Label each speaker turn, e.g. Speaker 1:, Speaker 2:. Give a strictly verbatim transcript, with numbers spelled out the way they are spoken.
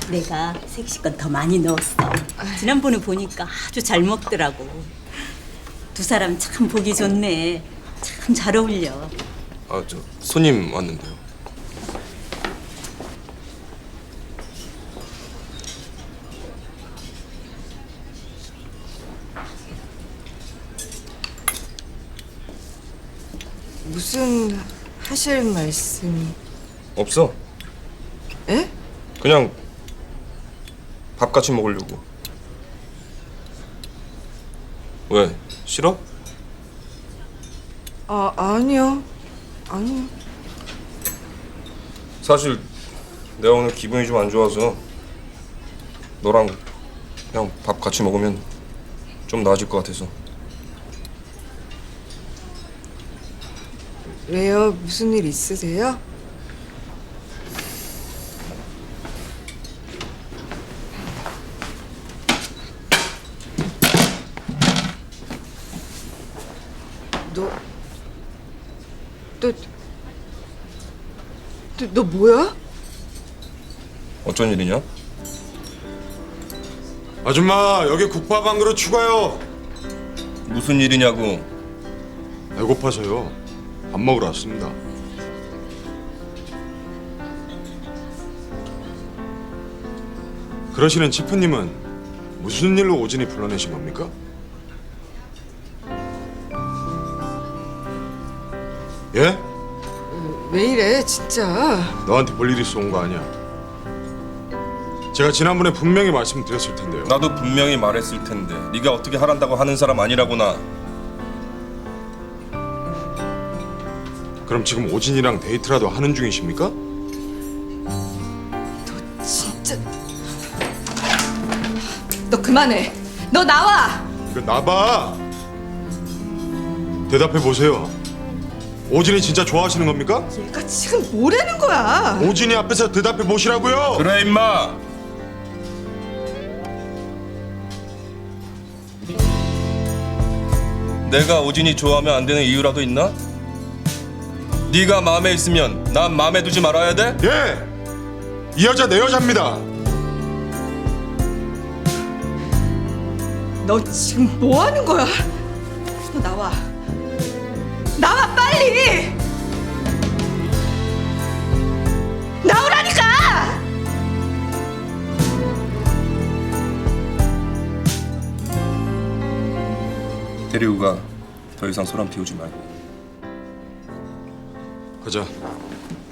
Speaker 1: 내가 색시건 더 많이 넣었어. 지난번에 보니까 아주 잘 먹더라고. 두 사람 참 보기 좋네. 참 잘 어울려.
Speaker 2: 아, 저 손님 왔는데요.
Speaker 3: 무슨 하실 말씀이?
Speaker 2: 없어.
Speaker 3: 에?
Speaker 2: 그냥 밥 같이 먹으려고. 왜? 싫어?
Speaker 3: 아 아니요 아니요.
Speaker 2: 사실 내가 오늘 기분이 좀 안 좋아서 너랑 그냥 밥 같이 먹으면 좀 나아질 것 같아서.
Speaker 3: 왜요? 무슨 일 있으세요? 너, 너, 너, 너 뭐야?
Speaker 2: 어쩐 일이냐?
Speaker 4: 아줌마, 여기 국밥 한 그릇 추가요.
Speaker 2: 무슨 일이냐고.
Speaker 4: 배고파서요. 밥 먹으러 왔습니다. 그러시는 치프님은 무슨 일로 오진이 불러내신 겁니까? 예?
Speaker 3: 왜 이래 진짜?
Speaker 4: 너한테 볼 일 있어 온 거 아니야. 제가 지난번에 분명히 말씀드렸을 텐데요.
Speaker 2: 나도 분명히 말했을 텐데 네가 어떻게 하란다고 하는 사람 아니라구나.
Speaker 4: 그럼 지금 오진이랑 데이트라도 하는 중이십니까?
Speaker 3: 진짜. 너 그만해. 너 나와.
Speaker 4: 이거 나봐. 대답해 보세요. 오진이 진짜 좋아하시는 겁니까?
Speaker 3: 얘가 지금 뭐라는 거야?
Speaker 4: 오진이 앞에서 대답해 보시라고요.
Speaker 2: 그래 임마. 내가 오진이 좋아하면 안 되는 이유라도 있나? 네가 마음에 있으면 난 마음에 두지 말아야 돼?
Speaker 4: 예! 이 여자 내 여자입니다.
Speaker 3: 너 지금 뭐 하는 거야? 너 나와. 나와 빨리. 나오라니까.
Speaker 2: 데리고 가. 더 이상 소란 피우지 말고.
Speaker 4: 가자.